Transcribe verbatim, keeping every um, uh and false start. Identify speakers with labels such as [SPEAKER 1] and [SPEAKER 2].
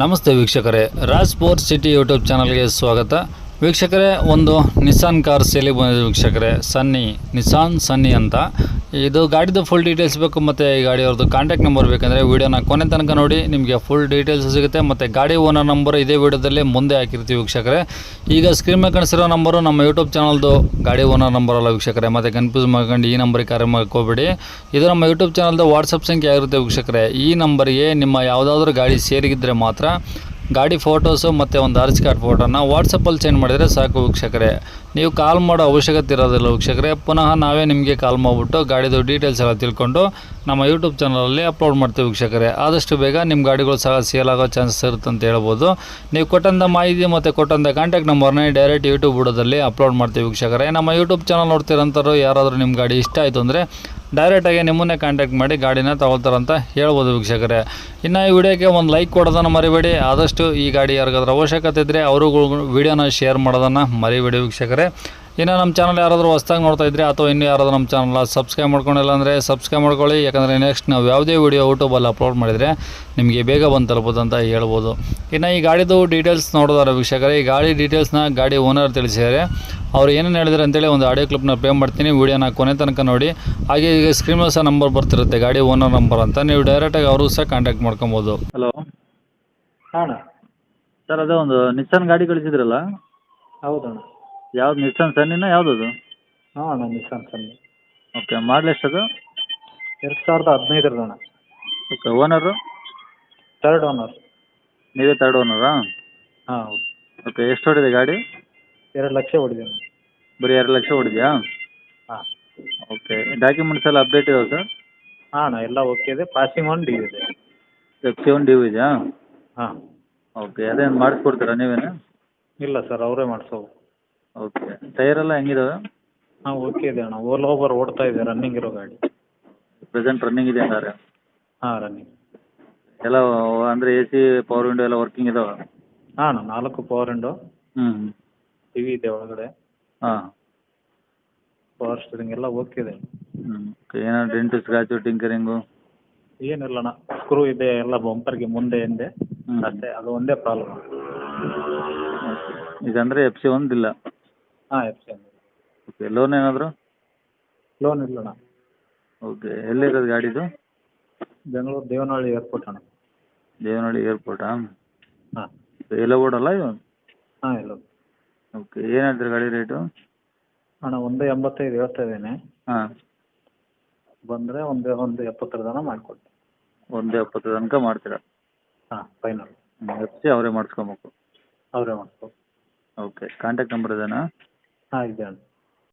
[SPEAKER 1] ನಮಸ್ತೆ ವೀಕ್ಷಕರೇ, Raj sports city YouTube ಚಾನಲ್ಗೆ ಸ್ವಾಗತ. ವೀಕ್ಷಕರೇ, ಒಂದು ನಿಸ್ಸಾನ್ ಕಾರ್ ಸೇಲಿಗೆ ಬಂದಿದೆ ವೀಕ್ಷಕರೇ. ಸನ್ನಿ, ನಿಸ್ಸಾನ್ ಸನ್ನಿ ಅಂತ. ಇದು ಗಾಡಿದು ಫುಲ್ ಡೀಟೇಲ್ಸ್ ಬೇಕು ಮತ್ತು ಈ ಗಾಡಿಯವ್ರದ್ದು ಕಾಂಟ್ಯಾಕ್ಟ್ ನಂಬರ್ ಬೇಕಂದರೆ ವೀಡಿಯೋನ ಕೊನೆ ತನಕ ನೋಡಿ, ನಿಮಗೆ ಫುಲ್ ಡೀಟೇಲ್ಸ್ ಸಿಗುತ್ತೆ. ಮತ್ತು ಗಾಡಿ ಓನರ್ ನಂಬರ್ ಇದೇ ವೀಡಿಯೋದಲ್ಲಿ ಮುಂದೆ ಹಾಕಿರ್ತೀವಿ ವೀಕ್ಷಕರೇ. ಈಗ ಸ್ಕ್ರೀನ್ ಮೇಲೆ ಕಾಣಿಸಿರೋ ನಂಬರು ನಮ್ಮ ಯೂಟ್ಯೂಬ್ ಚಾನಲ್ದು ಗಾಡಿ ಓನರ್ ನಂಬರ್ ಅಲ್ಲ ವೀಕ್ಷಕರೇ. ಮತ್ತು ಕನ್ಫ್ಯೂಸ್ ಮಾಡ್ಕೊಂಡು ಈ ನಂಬರಿಗೆ ಕರೆ ಮಾಡ್ಕೋಬೇಡಿ. ಇದು ನಮ್ಮ ಯೂಟ್ಯೂಬ್ ಚಾನಲ್ದು ವಾಟ್ಸಪ್ ಸಂಖ್ಯೆ ಆಗಿರುತ್ತೆ ವೀಕ್ಷಕರೇ. ಈ ನಂಬರಿಗೆ ನಿಮ್ಮ ಯಾವುದಾದ್ರೂ ಗಾಡಿ ಸೇರಿಗಿದ್ರೆ ಮಾತ್ರ ಗಾಡಿ ಫೋಟೋಸು ಮತ್ತು ಒಂದು ಆರ್ ಸಿ ಕಾರ್ಡ್ ಫೋಟೋನ ವಾಟ್ಸಪ್ಪಲ್ಲಿ ಸೆಂಡ್ ಮಾಡಿದರೆ ಸಾಕು ವೀಕ್ಷಕರೇ. ನೀವು ಕಾಲ್ ಮಾಡೋ ಅವಶ್ಯಕತೆ ಇರೋದಿಲ್ಲ ವೀಕ್ಷಕರೇ. ಪುನಃ ನಾವೇ ನಿಮಗೆ ಕಾಲ್ ಮಾಡಿಬಿಟ್ಟು ಗಾಡಿದು ಡೀಟೇಲ್ಸ್ ಎಲ್ಲ ತಿಳ್ಕೊಂಡು ನಮ್ಮ ಯೂಟ್ಯೂಬ್ ಚಾನಲಲ್ಲಿ ಅಪ್ಲೋಡ್ ಮಾಡ್ತೀವಿ ವೀಕ್ಷಕರೇ. ಆದಷ್ಟು ಬೇಗ ನಿಮ್ಮ ಗಾಡಿಗಳು ಸಹ ಸೇಲ್ ಆಗೋ ಚಾನ್ಸಸ್ ಇರುತ್ತೆ ಅಂತ ಹೇಳ್ಬೋದು. ನೀವು ಕೊಟ್ಟಂಥ ಮಾಹಿತಿ ಮತ್ತು ಕೊಟ್ಟಂಥ ಕಾಂಟ್ಯಾಕ್ಟ್ ನಂಬರ್ನೇ ಡೈರೆಕ್ಟ್ ಯೂಟ್ಯೂಬ್ ವಿಡಿಯೋದಲ್ಲಿ ಅಪ್ಲೋಡ್ ಮಾಡ್ತೀವಿ ವೀಕ್ಷಕರೇ. ನಮ್ಮ ಯೂಟ್ಯೂಬ್ ಚಾನಲ್ ನೋಡ್ತಿರೋಂಥವ್ರು ಯಾರಾದರೂ ನಿಮ್ಮ ಗಾಡಿ ಇಷ್ಟ ಆಯಿತು ಅಂದರೆ ಡೈರೆಕ್ಟಾಗಿ ನಿಮ್ಮನ್ನೇ ಕಾಂಟ್ಯಾಕ್ಟ್ ಮಾಡಿ ಗಾಡಿನ ತಗೊಳ್ತಾರಂತ ಹೇಳ್ಬೋದು ವೀಕ್ಷಕರೇ. ಇನ್ನು ಈ ವಿಡಿಯೋಕ್ಕೆ ಒಂದು ಲೈಕ್ ಕೊಡೋದನ್ನು ಮರಿಬೇಡಿ. ಆದಷ್ಟು ಈ ಗಾಡಿ ಯಾರಿಗಾದ್ರೂ ಅವಶ್ಯಕತೆ ಇದ್ದರೆ ಅವರು ವಿಡಿಯೋನ ಶೇರ್ ಮಾಡೋದನ್ನು ಮರಿಬೇಡಿ ವೀಕ್ಷಕರೇ. ಇನ್ನು ನಮ್ಮ ಚಾನಲ್ ಯಾರಾದರೂ ಹೊಸ್ದಾಗಿ ನೋಡ್ತಾ ಇದ್ದರೆ ಅಥವಾ ಇನ್ನೂ ಯಾರಾದರೂ ನಮ್ಮ ಚಾನಲ್ನ ಸಬ್ಸ್ಕ್ರೈಬ್ ಮಾಡ್ಕೊಂಡಿಲ್ಲ ಅಂದರೆ ಸಬ್ಸ್ಕ್ರೈಬ್ ಮಾಡ್ಕೊಳ್ಳಿ. ಯಾಕಂದರೆ ನೆಕ್ಸ್ಟ್ ನಾವು ಯಾವುದೇ ವೀಡಿಯೋ ಯೂಟ್ಯೂಬಲ್ಲಿ ಅಪ್ಲೋಡ್ ಮಾಡಿದರೆ ನಿಮಗೆ ಬೇಗ ಬಂದು ತಲುಪೋದು ಅಂತ ಹೇಳ್ಬೋದು. ಇನ್ನು ಈ ಗಾಡಿದು ಡೀಟೇಲ್ಸ್ ನೋಡೋದಾರ ವೀಕ್ಷಕರೇ, ಈ ಗಾಡಿ ಡೀಟೇಲ್ಸ್ನ ಗಾಡಿ ಓನರ್ ತಿಳಿಸಿದ್ದಾರೆ. ಅವ್ರು ಏನೇನು ಹೇಳಿದ್ರು ಅಂತೇಳಿ ಒಂದು ಆಡಿಯೋ ಕ್ಲಿಪ್ನ ಪ್ಲೇ ಮಾಡ್ತೀನಿ. ವೀಡಿಯೋನ ಕೊನೆ ತನಕ ನೋಡಿ. ಹಾಗೆ ಈಗ ಸ್ಕ್ರೀನ್ ಮೇಲೆ ಸಹ ನಂಬರ್ ಬರ್ತಿರುತ್ತೆ, ಗಾಡಿ ಓನರ್ ನಂಬರ್ ಅಂತ. ನೀವು ಡೈರೆಕ್ಟಾಗಿ ಅವರು ಸಹ ಕಾಂಟ್ಯಾಕ್ಟ್ ಮಾಡ್ಕೊಬೋದು.
[SPEAKER 2] ಹಲೋ
[SPEAKER 3] ಹಾಂ ಅಣ್ಣ.
[SPEAKER 2] ಸರ್, ಅದೇ ಒಂದು ನಿಸ್ಸಾನ್ ಗಾಡಿ ಕಳಿಸಿದ್ರಲ್ಲ,
[SPEAKER 3] ಹೌದಣ್ಣ.
[SPEAKER 2] ಯಾವ್ದು ನಿಸ್ಸಾನ್ ಸನ್ನಿನ ಯಾವುದದು?
[SPEAKER 3] ಹಾಂ ಅಣ್ಣ, ನಿಸ್ಸಾನ್ ಸನ್ನಿ.
[SPEAKER 2] ಓಕೆ, ಮಾಡಲ್ ಎಷ್ಟದು?
[SPEAKER 3] ಎರಡು ಸಾವಿರದ ಹದಿನೈದರದ್ದು ಅಣ್ಣ.
[SPEAKER 2] Okay, owner?
[SPEAKER 3] Third owner.
[SPEAKER 2] ನೀವೇ ತರ್ಡ್ ಓನರಾ?
[SPEAKER 3] ಹಾಂ ಹೌದು.
[SPEAKER 2] ಓಕೆ, ಎಷ್ಟು ಹೊಡಿದೆ ಗಾಡಿ?
[SPEAKER 3] ಎರಡು ಲಕ್ಷ ಹೊಡಿದೆ ಅಣ್ಣ.
[SPEAKER 2] ಬರೀ ಎರಡು ಲಕ್ಷ ಹೊಡಿದೆಯಾ?
[SPEAKER 3] ಹಾಂ.
[SPEAKER 2] ಓಕೆ, ಡಾಕ್ಯುಮೆಂಟ್ಸ್ ಎಲ್ಲ ಅಪ್ಡೇಟ್ ಇದಾವೆ ಸರ್?
[SPEAKER 3] ಹಾಂ ಅಣ್ಣ, ಎಲ್ಲ ಓಕೆ ಇದೆ. ಪಾಸಿಂಗ್ ಒನ್ ಡಿ ಇದೆ.
[SPEAKER 2] ಎಫ್ ಸಿ ಒನ್ ಡ್ಯೂ ಇದೆಯಾ?
[SPEAKER 3] ಹಾಂ.
[SPEAKER 2] ಓಕೆ, ಅದೇನು ಮಾಡಿಸ್ಕೊಡ್ತೀರಾ ನೀವೇನು?
[SPEAKER 3] ಇಲ್ಲ ಸರ್, ಅವರೇ ಮಾಡಿಸೋವು.
[SPEAKER 2] ಓಕೆ, ಟೈರ್ ಎಲ್ಲ ಹೆಂಗಿದಾವೆ?
[SPEAKER 3] ಹಾಂ ಓಕೆ ಇದೆ ಅಣ್ಣ. ಓಲ್ ಓವರ್ ಓಡ್ತಾ ಇದೆ, ರನ್ನಿಂಗ್ ಇರೋ ಗಾಡಿ.
[SPEAKER 2] ಪ್ರೆಸೆಂಟ್ ರನ್ನಿಂಗ್ ಇದೆ ಹಂಗಾರೆ?
[SPEAKER 3] ಹಾಂ ರನ್ನಿಂಗ್.
[SPEAKER 2] ಎಲ್ಲ ಅಂದರೆ ಎ ಸಿ ಪವರ್ ವಿಂಡೋ ಎಲ್ಲ ವರ್ಕಿಂಗ್ ಇದಾವೆ?
[SPEAKER 3] ಹಾಂ ಅಣ್ಣ, ನಾಲ್ಕು ಪವರ್ ವಿಂಡೋ.
[SPEAKER 2] ಹ್ಞೂ.
[SPEAKER 3] ಟಿ ವಿ ಇದೆ ಒಳಗಡೆ.
[SPEAKER 2] ಹಾಂ.
[SPEAKER 3] ಪವರ್ ಸ್ಟೀರಿಂಗ್ ಎಲ್ಲ ಓಕೆ ಇದೆ.
[SPEAKER 2] ಹ್ಞೂ. ಓಕೆ, ಏನಾದ್ರು ಡೆಂಟು ಸ್ಕ್ರಾಚು ಟಿಂಕರಿಂಗು?
[SPEAKER 3] ಏನಿಲ್ಲ ಅಣ್ಣ, ಸ್ಕ್ರೂ ಇದೆ ಎಲ್ಲ ಬಂಪರ್ಗೆ ಮುಂದೆ ಹಿಂದೆ
[SPEAKER 2] ಹ್ಞೂ.
[SPEAKER 3] ಅಷ್ಟೇ, ಅದು ಒಂದೇ ಪ್ರಾಬ್ಲಮ್.
[SPEAKER 2] ಇದಂದರೆ ಎಫ್ ಸಿ ಒಂದಿಲ್ಲ?
[SPEAKER 3] ಹಾಂ ಎಫ್ ಸಿ
[SPEAKER 2] ಓಕೆ, ಲೋನ್ ಏನಾದರೂ?
[SPEAKER 3] ಲೋನ್ ಇಲ್ಲ ಅಣ್ಣ.
[SPEAKER 2] ಓಕೆ, ಎಲ್ಲಿರೋದು ಗಾಡಿದು?
[SPEAKER 3] ಬೆಂಗಳೂರು ದೇವನಹಳ್ಳಿ ಏರ್ಪೋರ್ಟ್ ಅಣ್ಣ.
[SPEAKER 2] ದೇವನಹಳ್ಳಿ ಏರ್ಪೋರ್ಟಾ?
[SPEAKER 3] ಹಾಂ.
[SPEAKER 2] ಎಲ್ಲ ಓಡಲ್ಲ ಇದು?
[SPEAKER 3] ಹಾಂ ಎಲ್ಲ.
[SPEAKER 2] ಓಕೆ, ಏನು ಹೇಳ್ತೀರಿ ಗಾಡಿ ರೇಟು?
[SPEAKER 3] ಅಣ್ಣ ಒಂದು ಎಂಬತ್ತೈದು ಹೇಳ್ತಾ ಇದ್ದೇನೆ.
[SPEAKER 2] ಹಾಂ.
[SPEAKER 3] ಬಂದರೆ ಒಂದು ಒಂದು ಎಪ್ಪತ್ತರ ತನಕ ಮಾಡಿಕೊಡ್ತೀನಿ.
[SPEAKER 2] ಒಂದು ಎಪ್ಪತ್ತು ತನಕ ಮಾಡ್ತೀರಾ?
[SPEAKER 3] ಹಾಂ ಫೈನಲ್.
[SPEAKER 2] ಎಫ್ ಸಿ ಅವರೇ ಮಾಡಿಸ್ಕೊಬೇಕು?
[SPEAKER 3] ಅವರೇ ಮಾಡಿಸ್ಕೊ.
[SPEAKER 2] ಓಕೆ, ಕಾಂಟ್ಯಾಕ್ಟ್ ನಂಬರ್ ಇದೇನಾ?
[SPEAKER 3] ಹಾಂ ಇದೆ ಅಣ್ಣ.